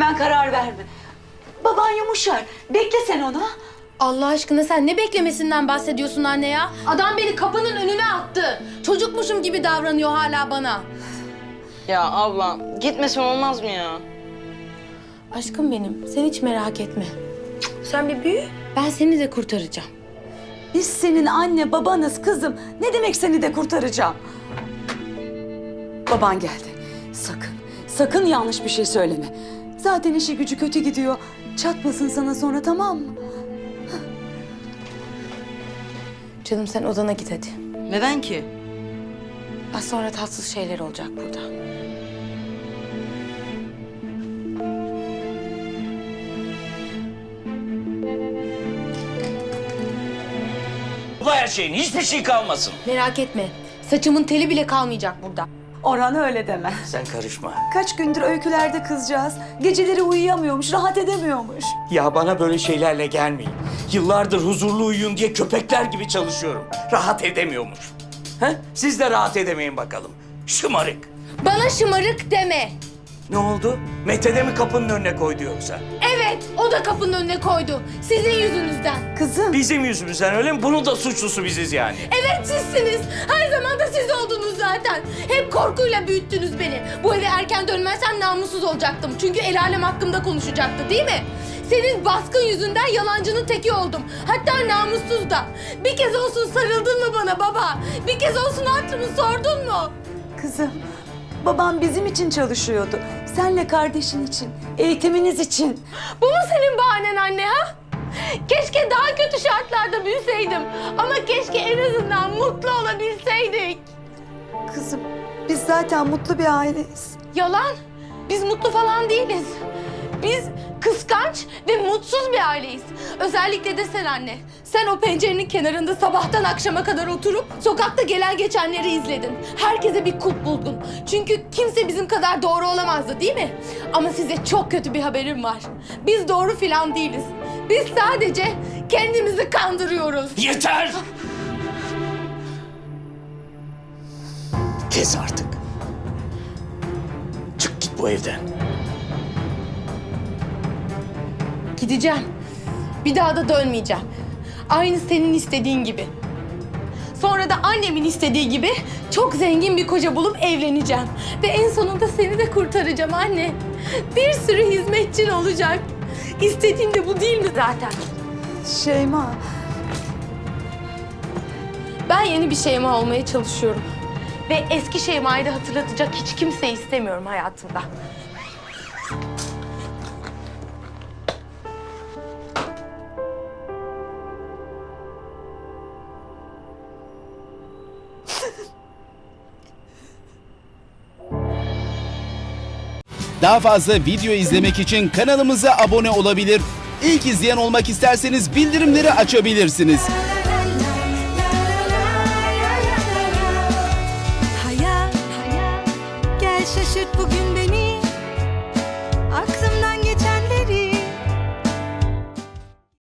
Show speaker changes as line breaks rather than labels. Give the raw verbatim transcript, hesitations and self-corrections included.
Hemen karar verme. Baban yumuşar. Bekle sen onu.
Allah aşkına sen ne beklemesinden bahsediyorsun anne ya? Adam beni kapının önüne attı. Çocukmuşum gibi davranıyor hala bana.
Ya abla gitmesen olmaz mı ya?
Aşkım benim, sen hiç merak etme. Sen bir büyü, ben seni de kurtaracağım.
Biz senin anne babanız kızım. Ne demek seni de kurtaracağım? Baban geldi. Sakın, sakın yanlış bir şey söyleme. Zaten işi gücü kötü gidiyor. Çatmasın sana sonra, tamam mı?
Canım sen odana git hadi.
Neden ki?
Az sonra tatsız şeyler olacak burada.
Bu her şeyin hiçbir şey kalmasın.
Merak etme, saçımın teli bile kalmayacak burada.
Orhan öyle deme.
Sen karışma.
Kaç gündür öykülerde kızcağız. Geceleri uyuyamıyormuş, rahat edemiyormuş.
Ya bana böyle şeylerle gelmeyin. Yıllardır huzurlu uyuyun diye köpekler gibi çalışıyorum. Rahat edemiyormuş. He? Siz de rahat edemeyin bakalım. Şımarık.
Bana şımarık deme.
Ne oldu? Mete de mi kapının önüne koydu yoksa?
Evet, o da kapının önüne koydu. Sizin yüzünüzden.
Kızım.
Bizim yüzümüzden öyle mi? Bunun da suçlusu biziz yani.
Evet sizsiniz. Her zaman da siz oldunuz zaten. Hep korkuyla büyüttünüz beni. Bu eve erken dönmezsem namussuz olacaktım. Çünkü el alem hakkımda konuşacaktı değil mi? Senin baskın yüzünden yalancının teki oldum. Hatta namussuz da. Bir kez olsun sarıldın mı bana baba? Bir kez olsun hatırımı sordun mu?
Kızım, babam bizim için çalışıyordu. Senle kardeşin için, eğitiminiz için.
Bu mu senin bahanen anne ha? Keşke daha kötü şartlarda büyüseydim. Ama keşke en azından mutlu olabilseydik.
Kızım, biz zaten mutlu bir aileyiz.
Yalan. Biz mutlu falan değiliz. Biz kıskanç ve mutsuz bir aileyiz. Özellikle de sen anne. Sen o pencerenin kenarında sabahtan akşama kadar oturup sokakta gelen geçenleri izledin. Herkese bir kulp buldun. Çünkü kimse bizim kadar doğru olamazdı değil mi? Ama size çok kötü bir haberim var. Biz doğru filan değiliz. Biz sadece kendimizi kandırıyoruz.
Yeter! Kes artık. Çık git bu evden.
Gideceğim. Bir daha da dönmeyeceğim. Aynı senin istediğin gibi. Sonra da annemin istediği gibi çok zengin bir koca bulup evleneceğim. Ve en sonunda seni de kurtaracağım anne. Bir sürü hizmetçin olacak. İstediğim de bu değil mi zaten?
Şeyma,
Ben yeni bir Şeyma olmaya çalışıyorum. Ve eski Şeyma'yı da hatırlatacak hiç kimseyi istemiyorum hayatımda.
Daha fazla video izlemek için kanalımıza abone olabilir. İlk izleyen olmak isterseniz bildirimleri açabilirsiniz.
Hayat, hayat, gel şaşırt bugün.